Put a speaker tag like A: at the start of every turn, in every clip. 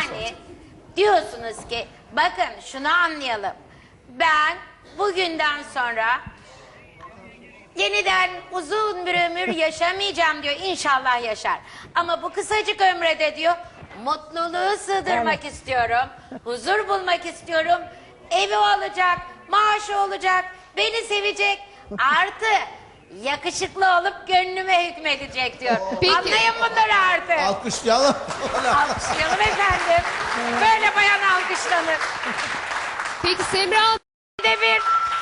A: Yani diyorsunuz ki bakın şunu anlayalım. Ben bugünden sonra yeniden uzun bir ömür yaşamayacağım diyor. İnşallah yaşar. Ama bu kısacık ömrede diyor mutluluğu sığdırmak istiyorum. Huzur bulmak istiyorum. Evi olacak, maaşı olacak, beni sevecek. Artı yakışıklı olup gönlüme hükmedecek diyor.
B: Peki.
A: Anlayın bunları artık.
C: Alkışlayalım.
A: Alkışlayalım efendim. Böyle bayan alkışlanır.
B: Peki Semra Hanım,
A: De bir.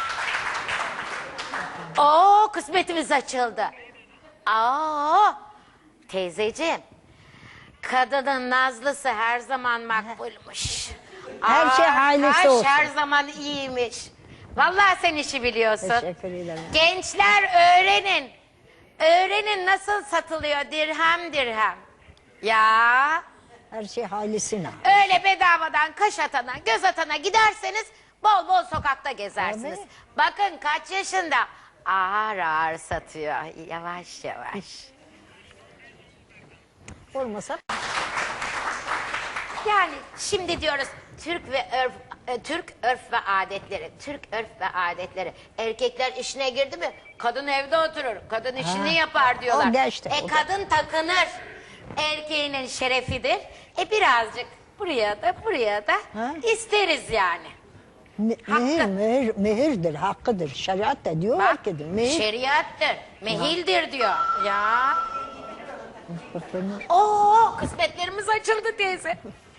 A: Oo, kısmetimiz açıldı. Aa, teyzeciğim. Kadının nazlısı her zaman makbulmuş.
D: Her şey hayırlısı olsun.
A: Her zaman iyiymiş. Vallahi sen işi biliyorsun.
D: Teşekkür ederim.
A: Gençler öğrenin. Öğrenin nasıl satılıyor dirhem dirhem. Ya
D: Her şey hayırlısına.
A: öyle bedavadan kaş atana göz atana giderseniz bol bol sokakta gezersiniz.
D: Tabii.
A: Bakın kaç yaşında ağır ağır satıyor yavaş yavaş.
D: Olmasa
A: Yani şimdi diyoruz Türk örf ve adetleri, Türk örf ve adetleri. Erkekler işine girdi mi kadın evde oturur, kadın işini yapar diyorlar.
D: O da işte, o da.
A: Kadın takınır, erkeğinin şerefidir. Birazcık buraya da
D: Ha?
A: isteriz yani.
D: mehirdir, hakkıdır. Şeriat da diyorlar
A: Bak,
D: ki mehir.
A: şeriattır, mehildir diyor. Ya. Oo, kısmetlerimiz açıldı teyze.